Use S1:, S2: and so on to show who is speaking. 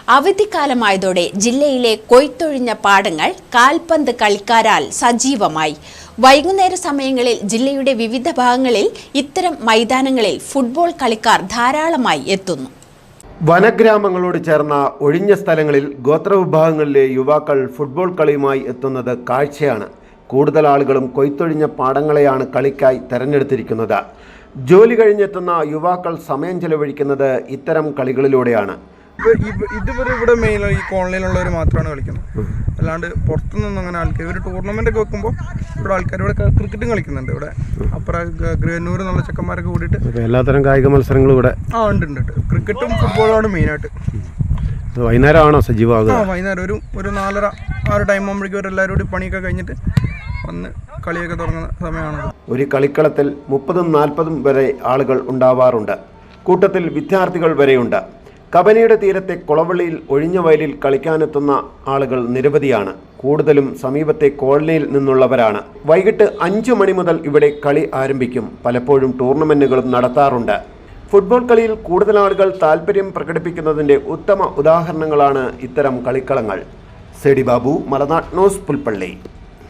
S1: അവധിക്കാലമായതോടെ ജില്ലയിലെ കൊയ്ത്തൊഴിഞ്ഞ പാടങ്ങൾ കാൽപന്ത് കളിക്കാരാൽ സജീവമായി. വൈകുന്നേര സമയങ്ങളിൽ ജില്ലയുടെ വിവിധ ഭാഗങ്ങളിൽ ഇത്തരം മൈതാനങ്ങളിൽ ഫുട്ബോൾ കളിക്കാർ ധാരാളമായി എത്തുന്നു.
S2: വനഗ്രാമങ്ങളോട് ചേർന്ന ഒഴിഞ്ഞ സ്ഥലങ്ങളിൽ ഗോത്രവിഭാഗങ്ങളിലെ യുവാക്കൾ ഫുട്ബോൾ കളിയുമായി എത്തുന്നത് കാഴ്ചയാണ്. കൂടുതൽ ആളുകളും കൊയ്ത്തൊഴിഞ്ഞ പാടങ്ങളെയാണ് കളിക്കായി തെരഞ്ഞെടുത്തിരിക്കുന്നത്. ജോലി കഴിഞ്ഞെത്തുന്ന യുവാക്കൾ സമയം ചെലവഴിക്കുന്നത് ഇത്തരം കളികളിലൂടെയാണ്.
S3: ഇതുവരെ ഇവിടെ മെയിൻ ഈ കോളനിയിലുള്ളവർ മാത്രമാണ് കളിക്കുന്നത്. അല്ലാണ്ട് പുറത്തുനിന്നൊന്നും അങ്ങനെ ആൾക്കാർ ഒരു ടൂർണമെൻ്റ് ഒക്കെ വെക്കുമ്പോൾ ഇവിടെ ആൾക്കാർ ഇവിടെ ക്രിക്കറ്റും കളിക്കുന്നുണ്ട്. ഇവിടെ അപ്പുറം ഗ്രനൂർ എന്നുള്ള ചെക്കന്മാരൊക്കെ കൂടിയിട്ട്
S2: എല്ലാത്തരം കായിക മത്സരങ്ങളും ഇവിടെ
S3: ഉണ്ട്. ക്രിക്കറ്റും ഫുട്ബോളുമാണ് മെയിനായിട്ട്.
S2: വൈകുന്നേരമാണോ സജീവമാകുക?
S3: വൈകുന്നേരം ഒരു 4:30 ആ ഒരു ടൈം ആകുമ്പോഴേക്കും അവരെല്ലാവരും കൂടി പണിയൊക്കെ കഴിഞ്ഞിട്ട് വന്ന് കളിയൊക്കെ തുടങ്ങുന്ന സമയമാണ്.
S2: ഒരു കളിക്കളത്തിൽ 30-40 വരെ ആളുകൾ ഉണ്ടാവാറുണ്ട്. കൂട്ടത്തിൽ വിദ്യാർത്ഥികൾ വരെയുണ്ട്. കബനിയുടെ തീരത്തെ കുളവള്ളിയിൽ ഒഴിഞ്ഞ വയലിൽ കളിക്കാനെത്തുന്ന ആളുകൾ നിരവധിയാണ്. കൂടുതലും സമീപത്തെ കോളനിയിൽ നിന്നുള്ളവരാണ്. വൈകിട്ട് 5 മണി മുതൽ ഇവിടെ കളി ആരംഭിക്കും. പലപ്പോഴും ടൂർണമെന്റുകളും നടത്താറുണ്ട്. ഫുട്ബോൾ കളിയിൽ കൂടുതൽ ആളുകൾ താല്പര്യം പ്രകടിപ്പിക്കുന്നതിൻ്റെ ഉത്തമ ഉദാഹരണങ്ങളാണ് ഇത്തരം കളിക്കളങ്ങൾ. സെഡി ബാബു, മലനാട് ന്യൂസ്, പുൽപ്പള്ളി.